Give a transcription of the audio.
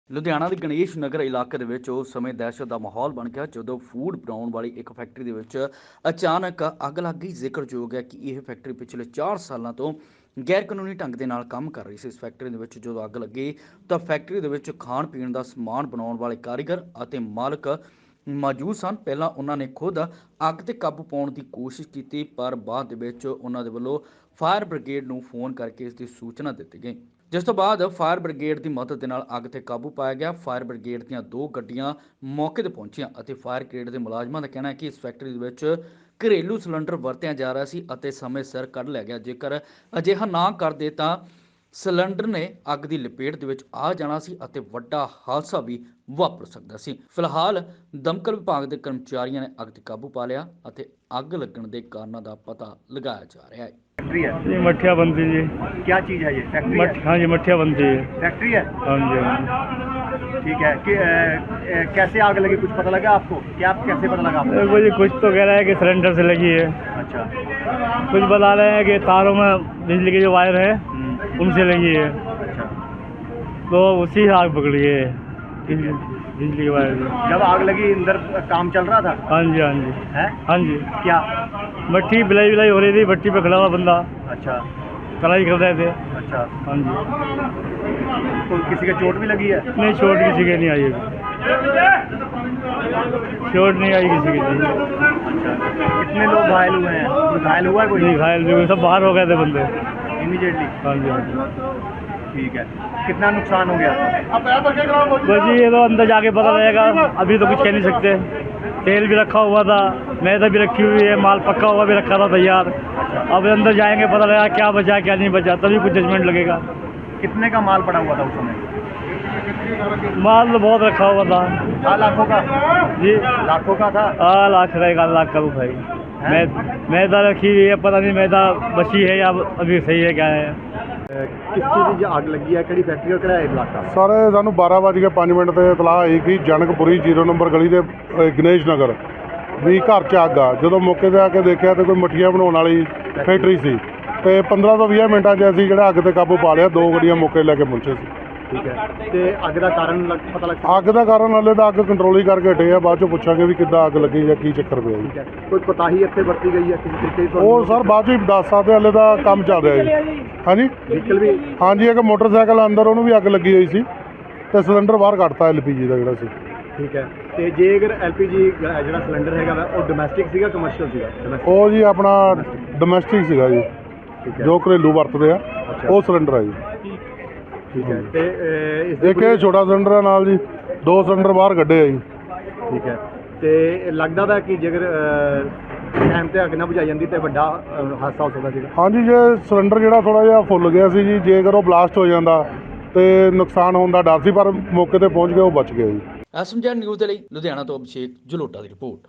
ਲੁਧਿਆਣਾ ਦੇ ਗਣੇਸ਼ ਨਗਰ ਇਲਾਕੇ ਦੇ ਵਿੱਚ ਉਸ ਸਮੇਂ ਦਹਿਸ਼ਤ ਦਾ ਮਾਹੌਲ ਬਣ ਗਿਆ ਜਦੋਂ ਫੂਡ ਬਣਾਉਣ ਵਾਲੀ ਇੱਕ ਫੈਕਟਰੀ ਦੇ ਵਿੱਚ ਅਚਾਨਕ ਅੱਗ ਲੱਗ ਗਈ। ਜ਼ਿਕਰਯੋਗ ਹੈ ਕਿ ਇਹ ਫੈਕਟਰੀ ਪਿਛਲੇ 4 ਸਾਲਾਂ ਤੋਂ ਗੈਰ ਕਾਨੂੰਨੀ ਢੰਗ ਦੇ ਨਾਲ ਕੰਮ ਕਰ ਰਹੀ ਸੀ। ਇਸ ਫੈਕਟਰੀ ਦੇ ਵਿੱਚ ਜਦੋਂ ਅੱਗ ਲੱਗੀ ਤਾਂ ਫੈਕਟਰੀ ਦੇ ਵਿੱਚ ਖਾਣ ਪੀਣ ਦਾ ਸਮਾਨ ਬਣਾਉਣ ਵਾਲੇ ਕਾਰੀਗਰ ਅਤੇ ਮਾਲਕ ਮੌਜੂਦ ਸਨ। ਪਹਿਲਾਂ ਉਹਨਾਂ ਨੇ ਖੁਦ ਅੱਗ ਤੇ ਕਾਬੂ ਪਾਉਣ ਦੀ ਕੋਸ਼ਿਸ਼ ਕੀਤੀ, ਪਰ ਬਾਅਦ ਦੇ ਵਿੱਚ ਉਹਨਾਂ ਦੇ ਵੱਲੋਂ ਫਾਇਰ ਬ੍ਰਿਗੇਡ ਨੂੰ ਫੋਨ ਕਰਕੇ ਇਸ ਦੀ ਸੂਚਨਾ ਦਿੱਤੀ ਗਈ, ਜਿਸ ਤੋਂ ਬਾਅਦ ਫਾਇਰ ਬ੍ਰਿਗੇਡ ਦੀ ਮਦਦ ਦੇ ਨਾਲ ਅੱਗ ਤੇ ਕਾਬੂ ਪਾਇਆ ਗਿਆ। ਫਾਇਰ ਬ੍ਰਿਗੇਡ ਦੀਆਂ 2 ਗੱਡੀਆਂ ਮੌਕੇ ਤੇ ਪਹੁੰਚੀਆਂ ਅਤੇ ਫਾਇਰ ਬ੍ਰਿਗੇਡ ਦੇ ਮੁਲਾਜ਼ਮਾਂ ਦਾ ਕਹਿਣਾ ਹੈ ਕਿ ਇਸ ਫੈਕਟਰੀ ਦੇ ਵਿੱਚ ਘਰੇਲੂ ਸਿਲੰਡਰ ਵਰਤਿਆ ਜਾ ਰਿਹਾ ਸੀ ਅਤੇ ਸਮੇਂ ਸਿਰ ਕੱਢ ਲਿਆ ਗਿਆ। ਜੇਕਰ ਅਜਿਹਾ ਨਾ ਕਰਦੇ ਤਾਂ ਸਿਲੰਡਰ ਨੇ ਅੱਗ ਦੀ ਲਪੇਟ ਦੇ ਵਿੱਚ ਆ ਜਾਣਾ ਸੀ ਅਤੇ ਵੱਡਾ ਹਾਦਸਾ ਵੀ ਵਾਪਰ ਸਕਦਾ ਸੀ। ਫਿਲਹਾਲ ਦਮਕਲ ਵਿਭਾਗ ਦੇ ਕਰਮਚਾਰੀਆਂ ਨੇ ਅੱਗ ਤੇ ਕਾਬੂ ਪਾ ਲਿਆ ਅਤੇ ਅੱਗ ਲੱਗਣ ਦੇ ਕਾਰਨਾਂ ਦਾ ਪਤਾ ਲਗਾਇਆ ਜਾ ਰਿਹਾ ਹੈ। फैक्ट्री है ये मठिया बनती जी। क्या चीज़ है ये फैक्ट्री है? हाँ जी, मठिया बनती है। फैक्ट्री है, हाँ जी, हाँ जी। ठीक है कि कैसे आग लगी, कुछ पता लगा आपको? क्या कैसे पता लगा आपको? देखो जी, कुछ तो कह रहा है कि सिलेंडर से लगी है, अच्छा, कुछ बता रहे हैं कि तारों में बिजली के जो वायर है उनसे लगी है, अच्छा। तो उसी से आग पकड़ी है बिजली के वायर से। जब आग लगी अंदर काम चल रहा था? हाँ जी, हाँ जी, है हाँ जी। क्या? भट्टी बिलाई बिलाई हो रही थी, भट्टी पे खड़ा हुआ बंदा अच्छा, कढ़ाई कर रहे थे। अच्छा। हाँ जी, तो किसी का चोट भी लगी है? नहीं चोट किसी के नहीं आई अभी, चोट नहीं आई किसी की नहीं। अच्छा, कितने लोग घायल हुए हैं? कोई घायल हुआ है कोई? नहीं घायल भी हुए, सब बाहर हो गए थे बंदे। इमीडिएटली? हाँ जी, हाँ जी। ठीक है, कितना नुकसान हो गया? बस जी ये तो अंदर जाके पता लगेगा, अभी तो कुछ कह नहीं सकते। तेल भी रखा हुआ था, मैदा भी रखी हुई है, माल पक्का हुआ भी रखा था तैयार। अब अंदर जाएंगे पता लगेगा क्या बचा क्या नहीं बचा, तभी कुछ जजमेंट लगेगा। कितने का माल पड़ा हुआ था उस समय? माल तो बहुत रखा हुआ था। लाखों का? जी, लाखों का था? हाँ लाख का 1 लाख का भाई। मैदा रखी हुई है, पता नहीं मैदा बची है या अभी सही है क्या है। किस चीज़ की आग लगी है, किहड़ी फैक्ट्री और किहड़ा इलाका? ਸਰ ਸਾਨੂੰ 12:05 ਤੇ ਇਤਲਾਹ ਆਈ ਕਿ ਜਨਕਪੁਰੀ 0 ਨੰਬਰ ਗਲੀ ਦੇ ਗਣੇਸ਼ ਨਗਰ ਵੀ ਘਰ 'ਚ ਅੱਗ ਆ। ਜਦੋਂ ਮੌਕੇ 'ਤੇ ਆ ਕੇ ਦੇਖਿਆ ਤੇ ਕੋਈ ਮਠੀਆਂ ਬਣਾਉਣ ਵਾਲੀ ਫੈਕਟਰੀ ਸੀ ਤੇ 15 ਤੋਂ 20 ਮਿੰਟਾਂ 'ਚ ਅਸੀਂ ਜਿਹੜਾ ਅੱਗ ਤੇ ਕਾਬੂ ਪਾ ਲਿਆ। 2 ਗੱਡੀਆਂ ਮੌਕੇ ਲੈ ਕੇ ਪਹੁੰਚੇ ਸੀ। ठीक है, तो ਅੱਗ ਦਾ ਕਾਰਨ ਪਤਾ ਲੱਗ ਅੱਗ ਦਾ ਕਾਰਨ ਹਾਲੇ ਤਾਂ ਅੱਗ ਕੰਟਰੋਲ ਹੀ ਕਰਕੇ ਹਟੇ ਆ, ਬਾਅਦ 'ਚੋਂ ਪੁੱਛਾਂਗੇ ਵੀ ਕਿੱਦਾਂ ਅੱਗ ਲੱਗੀ ਜਾਂ ਕੀ ਚੱਕਰ ਪਿਆ ਜੀ। ਕੋਈ ਕੋਤਾਹੀ ਇੱਥੇ ਵਰਤੀ ਗਈ ਹੈ ਕਿਸੇ ਤਰੀਕੇ ਦੀ? ਉਹ ਸਰ ਬਾਅਦ 'ਚ ਹੀ ਦੱਸ ਸਕਦੇ, ਹਾਲੇ ਤਾਂ ਕੰਮ ਚੱਲ ਰਿਹਾ ਜੀ। ਹਾਂਜੀ ਵਹੀਕਲ ਵੀ? ਹਾਂਜੀ, ਇੱਕ ਮੋਟਰਸਾਈਕਲ ਅੰਦਰ ਉਹਨੂੰ ਵੀ ਅੱਗ ਲੱਗੀ ਹੋਈ ਸੀ ਤੇ ਸਿਲੰਡਰ ਬਾਹਰ ਕੱਢਤਾ LPG ਦਾ ਜਿਹੜਾ ਸੀ। ਠੀਕ ਹੈ, ਤੇ ਜੇ ਅਗਰ LPG ਜਿਹੜਾ ਸਿਲੰਡਰ ਹੈਗਾ ਵਾ ਉਹ ਡੋਮੈਸਟਿਕ ਸੀਗਾ ਕਮਰਸ਼ੀਅਲ ਸੀਗਾ? ਉਹ ਜੀ ਆਪਣਾ ਡੋਮੈਸਟਿਕ ਸੀਗਾ ਜੀ, ਜੋ ਘਰੇਲੂ ਵਰਤਦੇ ਆ ਉਹ ਸਿਲੰਡਰ ਆ ਜੀ। ਠੀਕ ਹੈ, ਤੇ ਇੱਕ ਇਹ ਛੋਟਾ ਸਿਲੰਡਰ ਆ ਨਾਲ ਜੀ, 2 ਸਿਲੰਡਰ ਬਾਹਰ ਕੱਢੇ ਆ ਜੀ। ਠੀਕ ਹੈ, ਤੇ ਲੱਗਦਾ ਵਾ ਕਿ ਜੇਕਰ ਟਾਈਮ ਤੇ ਅੱਗ ਨਾ ਬੁਝਾਈ ਜਾਂਦੀ ਤੇ ਵੱਡਾ ਹਾਦਸਾ ਹੋ ਸਕਦਾ ਸੀਗਾ? ਹਾਂਜੀ, ਜੇ ਸਿਲੰਡਰ ਜਿਹੜਾ ਥੋੜਾ ਜਿਹਾ ਫੁੱਲ ਗਿਆ ਸੀ ਜੀ, ਜੇਕਰ ਉਹ ਬਲਾਸਟ ਹੋ ਜਾਂਦਾ ਤੇ ਨੁਕਸਾਨ ਹੋਣ ਦਾ ਡਰ ਸੀ, ਪਰ ਮੌਕੇ ਤੇ ਪਹੁੰਚ ਗਿਆ, ਉਹ ਬਚ ਗਿਆ ਜੀ। ਐਸਐਮਜੀ ਨਿਊਜ਼ ਦੇ ਲਈ ਲੁਧਿਆਣਾ ਤੋਂ ਅਭਿਸ਼ੇਕ ਜਲੋਟਾ ਦੀ ਰਿਪੋਰਟ।